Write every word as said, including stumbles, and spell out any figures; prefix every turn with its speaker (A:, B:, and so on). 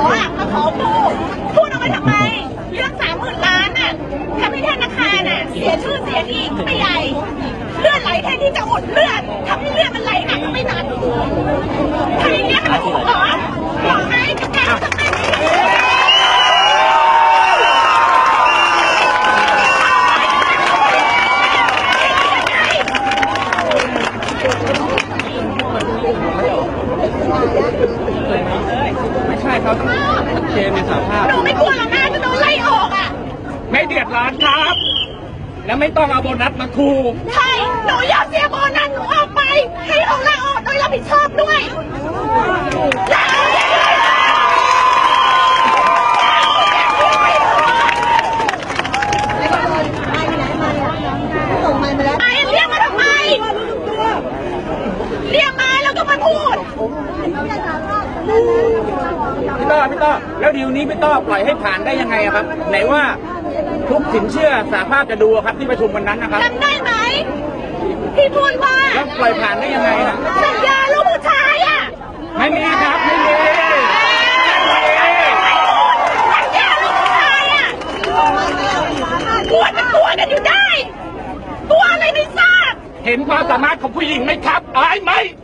A: อ่ะมาขอพูดพูดเอาไว้ทำไมเรื่องสามหมื่นล้านอ่ะทำให้ธนาคารอ่ะเสียชื่อเสียงอีกไม่ใหญ่เลือดไหลแทนที่จะอดเลือดทำให้เลือดมันไหลหนักไม่นานทำอย่างเงี้ยมันถูกเหรอบอกไหมกับการทำไม
B: ไม่ใช่ครับเจมส์สารภาพ
A: หนูไม่กลัวหรอกนะจะโดนไล่ออกอ่ะ
B: ไม่เดือดร้อนครับ แล้วไม่ต้องเอาโบนัสมาคู
A: ใช่หนูอยากเสียโบนัสหนูออกไปให้ออกลาออกโดยรับผิดชอบด้วยลาไอ้เรียกมาทำไมเรียกมาแล้วก็มาพูด
B: พี่ต้อพี่ต้อแล้วดีลนี้พี่ต้อปล่อยให้ผ่านได้ยังไงครับไหนว่าทุกสินเชื่อสหภาพจะดูครับที่ประชุมวันนั้นนะครับ
A: จำได้ไหมพี่พูดว่า
B: แล้วปล่อยผ่านได้ยังไงนะ
A: สัญญาลูกผู้ชายอ่ะ
B: ไม่มีครับไม่มี
A: สัญญาลูกผู้ชายอ่ะกลัวจะกลัวกันอยู่ได้กลัวอะไรไม่ทราบ
B: เห็นความสามารถของผู้หญิงไหมครับอายไหม